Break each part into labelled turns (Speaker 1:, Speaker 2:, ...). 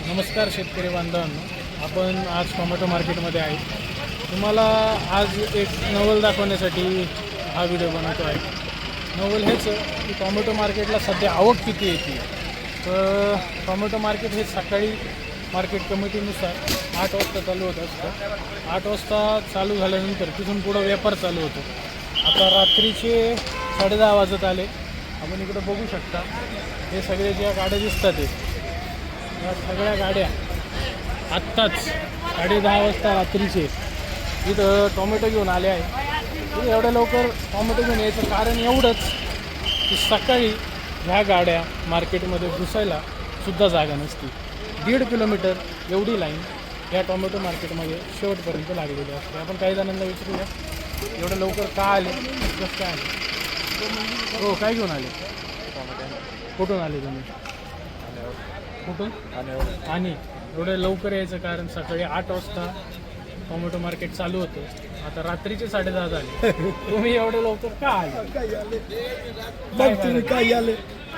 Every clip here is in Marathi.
Speaker 1: नमस्कार शेतकरी बांधवांनो, आपण आज टोमॅटो मार्केटमध्ये आहे. तुम्हाला आज एक नवल दाखवण्यासाठी हा व्हिडिओ बनवतो आहे. नवल हेच की टोमॅटो मार्केटला सध्या आवक किती येते. तर टोमॅटो मार्केट हे सकाळी मार्केट कमिटीनुसार 8 वाजता चालू होत असतं. 8 वाजता चालू झाल्यानंतर तिथून पुढं व्यापार चालू होतो. आता रात्रीचे 10:30 वाजत आले. आपण इकडं बघू शकता, हे सगळे ज्या गाड्या दिसतात या सगळ्या गाड्या आत्ताच 10:30 वाजता रात्रीचे इथं टोमॅटो घेऊन आले आहे. एवढ्या लवकर टोमॅटो घेऊन यायचं कारण एवढंच की सकाळी ह्या गाड्या मार्केटमध्ये घुसायला सुद्धा जागा नसती. 1.5 किलोमीटर एवढी लाईन या टोमॅटो मार्केटमध्ये शेवटपर्यंत लागलेली असते. आपण काही जणांना विचारूया, एवढं लवकर का आले, कसं काय आले? हो, काय घेऊन आले? कुठून आले तुम्ही? कुठून? आणि एवढं लवकर यायचं कारण सकाळी 8 वाजता टोमॅटो मार्केट चालू होतं. आता रात्रीचे 10:30 झाले. तुम्ही एवढे लवकर का आले?
Speaker 2: काय आले?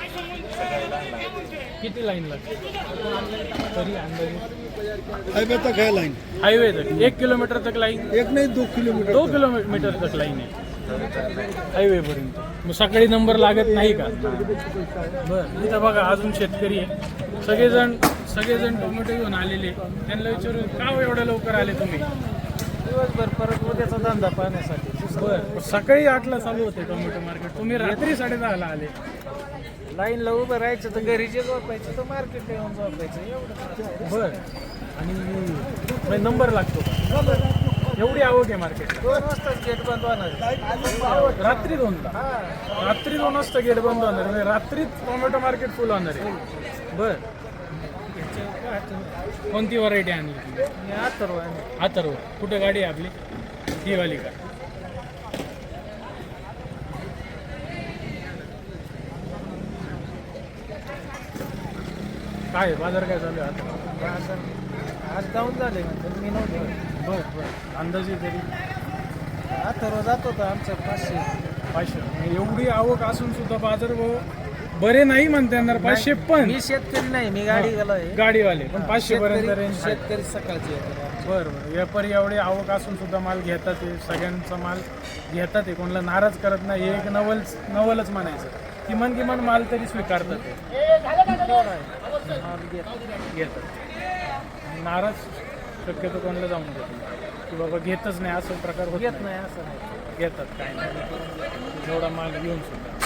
Speaker 1: किती लाईन लागते तरी अंदाजे?
Speaker 2: हाईवे तक है लाइन,
Speaker 1: हाईवे तक 1 किलोमीटर तक लाईन?
Speaker 2: एक नहीं 2 किलोमीटर.
Speaker 1: 2 किलोमीटर तक लाईन आहे हायवेपर्यंत. मग सकाळी नंबर लागत नाही का? बरं, इथं बघा अजून शेतकरी आहे. सगळेजण टोमॅटो घेऊन आलेले. त्यांना विचारू, का एवढ्या लवकर आले तुम्ही?
Speaker 3: दिवसभर परत उद्याचा धंदा पाहण्यासाठी.
Speaker 1: बरं, सकाळी 8ला चालू होते टोमॅटो मार्केट, तुम्ही रात्री 10:30ला आले.
Speaker 3: लाईनला उभं राहायचं तर घरी जे झोपायचं तर मार्केटला येऊन झोपायचं एवढं.
Speaker 1: बरं, आणि नंबर लागतो का? एवढी आवक आहे मार्केटला?
Speaker 3: 2 वाजताच गेट बंद होणार.
Speaker 1: रात्री 2ला? रात्री 2 वाजता गेट बंद होणार म्हणजे रात्रीच टोमॅटो मार्केट फुल होणार आहे. बरं, कोणती व्हरायटी आणली? अथर्व. कुठे गाडी आहे आपली? ही वाली का? काय बाजार काय चालू आहे आता?
Speaker 3: आज डाऊन झाले म्हणतात, मी नव्हतं.
Speaker 1: बरं, अंदाजे तरी
Speaker 3: अथर्व जात होतं आमचं 500.
Speaker 1: एवढी आवक असून सुद्धा बाजार भाव बरे नाही म्हणता येणार. 500 पण
Speaker 3: मी शेतकरी नाही, मी गाडी गेलोय.
Speaker 1: गाडीवाले पण 500 पर्यंत रेंज.
Speaker 3: शेतकरी सकाळची येतात.
Speaker 1: बरं, व्यापारी एवढे आवक असून सुद्धा माल घेतात. ते सगळ्यांचा माल घेतात. ते कोणाला नाराज करत नाही. हे एक नवलच म्हणायचं. किमान माल तरी स्वीकारतात. घेतात. नाराज शक्यतो कोणाला जाऊन देतात की बाबा घेतच नाही असं प्रकार होत
Speaker 3: घेत नाही असं नाही.
Speaker 1: घेतात. काय नाही, जेवढा माल घेऊन सुद्धा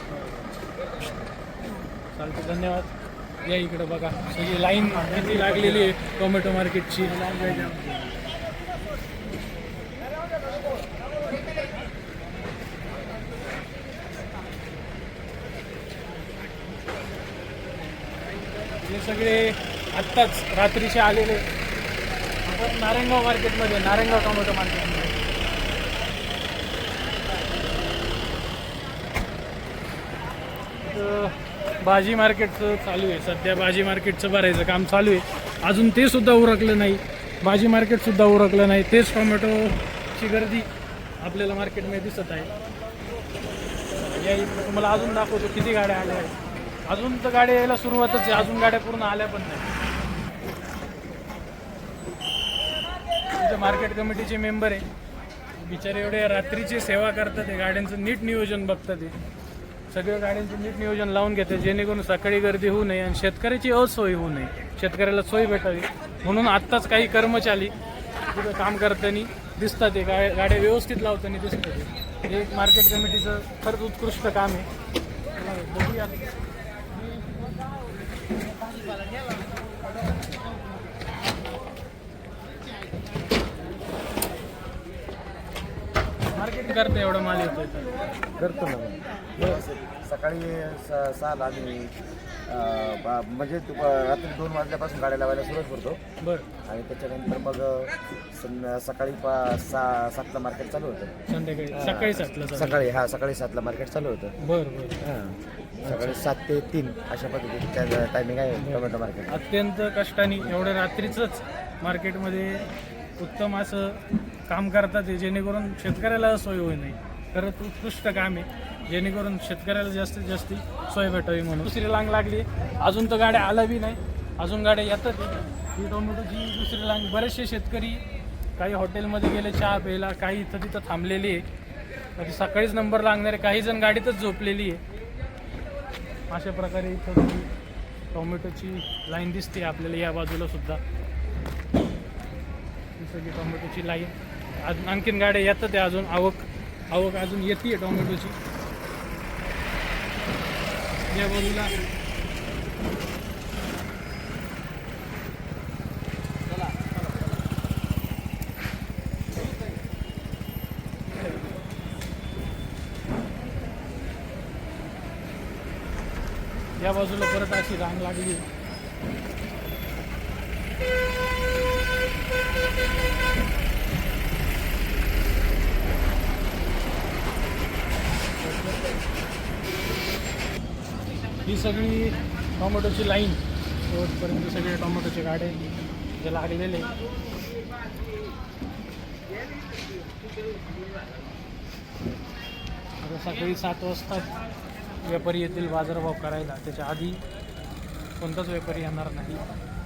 Speaker 1: चालतं. धन्यवाद. या इकडं बघा, सगळी लाईन किती लागलेली आहे टोमॅटो मार्केटची. हे सगळे आत्ताच रात्रीचे आलेले. आपण नारायणगाव मार्केटमध्ये, नारायणगाव टोमॅटो मार्केटमध्ये भाजी मार्केटचं चालू आहे. सध्या भाजी मार्केटचं भरायचं काम चालू आहे. अजून ते सुद्धा उरकलं नाही. भाजी मार्केटसुद्धा उरकलं नाही. तेच टोमॅटोची गर्दी आपल्याला मार्केटमध्ये दिसत आहे. या इकडे तुम्हाला अजून दाखवतो किती गाड्या आल्या आहेत. अजून तर गाड्या यायला सुरुवातच आहे. अजून गाड्या पूर्ण आल्या पण नाही. तिथे मार्केट कमिटीचे मेंबर आहे. बिचारे एवढे रात्रीची सेवा करतात. ते गाड्यांचं नीट नियोजन बघतात. ते सगळ्या गाड्यांचं नीट नियोजन लावून घेते जेणेकरून सकाळी गर्दी होऊ नये आणि शेतकऱ्याची असोय होऊ नये. शेतकऱ्याला सोय भेटावी म्हणून आत्ताच काही कर्मचारी तिथं काम करताना दिसतात. ते गाड्या व्यवस्थित लावताना दिसतात. हे मार्केट कमिटीचं खरंच उत्कृष्ट काम आहे. बघूया. मार्केट करतं एवढा माल येतो
Speaker 4: करतो ना. सकाळी 6ला आम्ही म्हणजे रात्री 2 वाजल्यापासून गाड्या लावायला सुरुवात करतो.
Speaker 1: बरं,
Speaker 4: आणि त्याच्यानंतर मग सकाळी 7ला मार्केट चालू होतं.
Speaker 1: संध्याकाळी सकाळी 7ला
Speaker 4: सकाळी 7ला मार्केट चालू होतं.
Speaker 1: बरं.
Speaker 4: सकाळी 7 ते 3 अशा पद्धतीची टायमिंग आहे टोमॅटो मार्केट.
Speaker 1: अत्यंत कष्टाने एवढ्या रात्रीचंच मार्केटमध्ये उत्तम असं काम करतात जेणेकरून शेतकऱ्याला सोय होऊ नये. खरंच उत्कृष्ट काम आहे. जेणेकरून शेतकऱ्याला जास्तीत जास्त सोय भेटावी म्हणून. दुसरी रांग लागली, अजून तर गाड्या आल्या बी नाही. अजून गाड्या येतात ही टोमॅटोची दुसरी लाईन. बरेचसे शेतकरी काही हॉटेलमध्ये गेले चहा प्यायला, काही इथं तिथं थांबलेली आहे, कधी सकाळीच नंबर लागणारे, काही जण गाडीतच झोपलेली आहे. अशा प्रकारे इथं टोमॅटोची लाईन दिसते आपल्याला या बाजूला सुद्धा. ही सगळी टोमॅटोची लाईन. अजून आणखीन गाड्या येतात आहे, अजून आवक अजून येते टोमॅटोची या बाजूला. या बाजूला परत अशी रांग लागली. ही सगळी टोमॅटोची लाईन, शेवटपर्यंत सगळे टोमॅटोचे गाडे जे लागलेले. आता सकाळी 7 वाजता व्यापारी येतील बाजारभाव करायला, त्याच्या आधी कोणताच व्यापारी येणार नाही.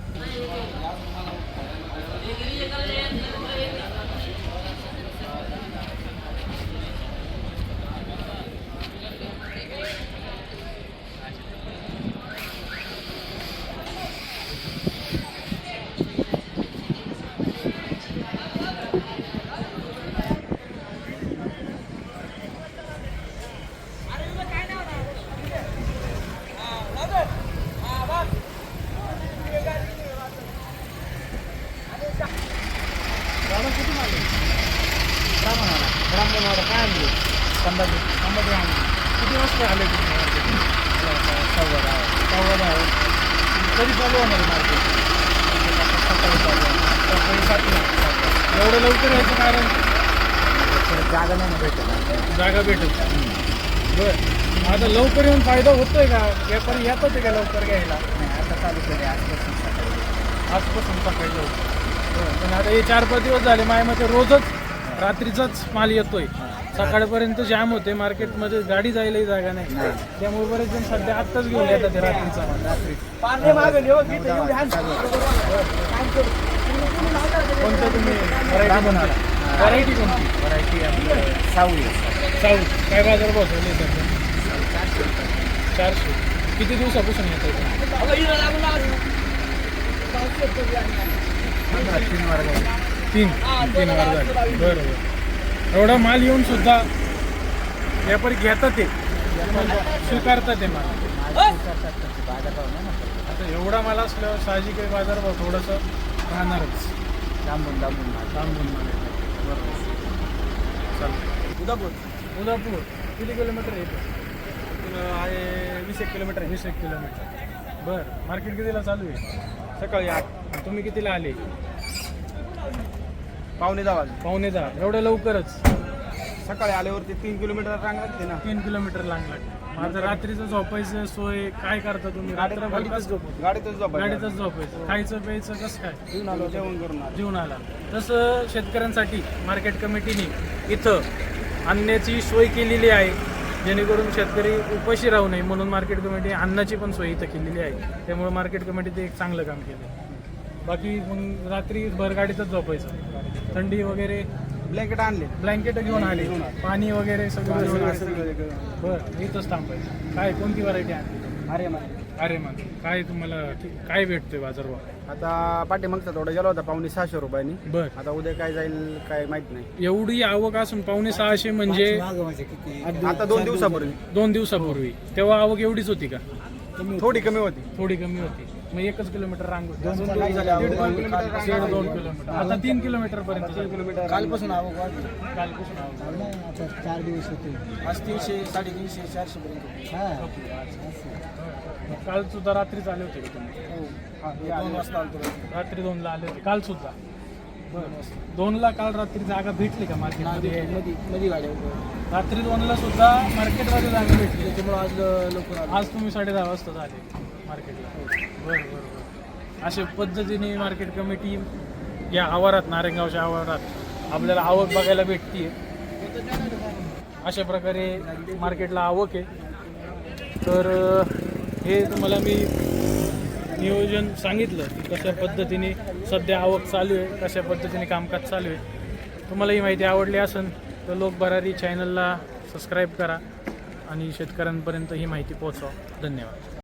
Speaker 1: कुठून आले? ब्राह्मणवाडा काय आणले? संभाजी आणले. किती वाजता आले तुम्ही? 10:15 कधी चालू होणार मार्केट? सकाळी 7ला. एवढं लवकर यायचं कारण
Speaker 4: जागा नाही भेटत.
Speaker 1: जागा भेटत. बरं, आता लवकर येऊन फायदा होतोय का? व्यापारी येतात का लवकर घ्यायला?
Speaker 4: आता चालू केले
Speaker 1: आजपासून सकाळी लवकर. पण आता हे 4-5 दिवस झाले माझ्या मते रोजच रात्रीचाच माल येतोय. सकाळपर्यंत जाम होते मार्केटमध्ये, गाडी जायलाही जागा नाही. त्यामुळे बरेच जण सध्या आत्ताच घेऊन येतात ते रात्रीचा माल. कोणतं तुम्ही व्हरायटी कोणती?
Speaker 4: व्हरायटी आपलं साऊ.
Speaker 1: काय बाजार बसवले सध्या? 400. किती दिवसापासून येत आहे? 3 वार झाले. बरोबर. एवढा माल येऊन सुद्धा व्यापारी घेतात ते, स्वीकारतात ते माल. आता एवढा माल असल्यावर साहजिक आहे बाजारभाव थोडंसं राहणारच.
Speaker 4: लांबून
Speaker 1: माल. बरोबर. चालतं. उदापूर किती किलोमीटर आहे? 20 किलोमीटर. 20 किलोमीटर. बरं. मार्केट कितीला चालू आहे?
Speaker 3: सकाळी 8.
Speaker 1: तुम्ही कितीला आले?
Speaker 3: 9:15.
Speaker 1: एवढं लवकरच?
Speaker 3: सकाळी आल्यावरती 3 किलोमीटर रांग लागते ना.
Speaker 1: 3 किलोमीटर लागला. माझं रात्रीचं झोपायचं सोय काय करता तुम्ही?
Speaker 3: गाडीतच झोपायचं.
Speaker 1: गाडीतच झोपायचं. खायचं प्यायचं कसं काय?
Speaker 3: जेवण करून
Speaker 1: जेवण आला. तसं शेतकऱ्यांसाठी मार्केट कमिटीने इथं आणण्याची सोय केलेली आहे, जेणेकरून शेतकरी उपाशी राहू नये म्हणून मार्केट कमिटी अन्नाची पण सोय इथं केलेली आहे. त्यामुळे मार्केट कमिटीने एक चांगलं काम केलं. बाकी मग रात्री भर गाडीतच झोपायचं. थंडी वगैरे ब्लँकेट घेऊन आले, पाणी वगैरे सगळं घेऊन आले. बरं, इथंच थांबायचं. काय कोणती व्हरायटी आणली? आर्यमान. काय तुम्हाला काय भेटतोय बाजारभाव?
Speaker 3: आता पाठीमागचा थोडा गेला होता 550 रुपयांनी.
Speaker 1: बरं.
Speaker 3: आता उद्या काय जाईल काय माहित नाही.
Speaker 1: एवढी आवक असून 550 म्हणजे
Speaker 3: आता 2 दिवसापूर्वी
Speaker 1: 2 दिवसापूर्वी तेव्हा आवक एवढीच होती का?
Speaker 3: थोडी कमी होती.
Speaker 1: थोडी कमी होती. मग 1 किलोमीटर रांग होती.
Speaker 3: 2 किलोमीटर.
Speaker 1: 2 किलोमीटर. आता 3 किलोमीटर पर्यंत.
Speaker 3: 3 किलोमीटर.
Speaker 2: कालपासून आवक वाढली.
Speaker 1: कालपासून आवक.
Speaker 2: 4 दिवस होते.
Speaker 3: आज 300, 350, 400 पर्यंत.
Speaker 1: काल सुद्धा रात्री आले होते का तुम्ही?
Speaker 3: 2 वाजता आलतो.
Speaker 1: रात्री 2ला आले होते. काल सुद्धा? बरं. 2ला काल रात्री जागा भेटली का मार्केटमध्ये?
Speaker 3: मध्ये गाड्या
Speaker 1: रात्री 2ला सुद्धा मार्केटमध्ये जागा भेटली.
Speaker 3: त्याच्यामुळे आज लवकर
Speaker 1: आज तुम्ही 10:30 वाजता झाले मार्केटला. बरं. अशा पद्धतीने मार्केट कमिटी या आवारात, नारायणगावच्या आवारात आपल्याला आवक बघायला भेटते. अशा प्रकारे मार्केटला आवक आहे. तर हे तुम्हाला मी नियोजन सांगितलं की कशा पद्धतीने सध्या आवक चालू आहे, कशा पद्धतीने कामकाज चालू आहे. तुम्हाला ही माहिती आवडली असेल तर लोक भरारी चॅनलला सबस्क्राईब करा आणि शेतकऱ्यांपर्यंत ही माहिती पोहोचवा. धन्यवाद.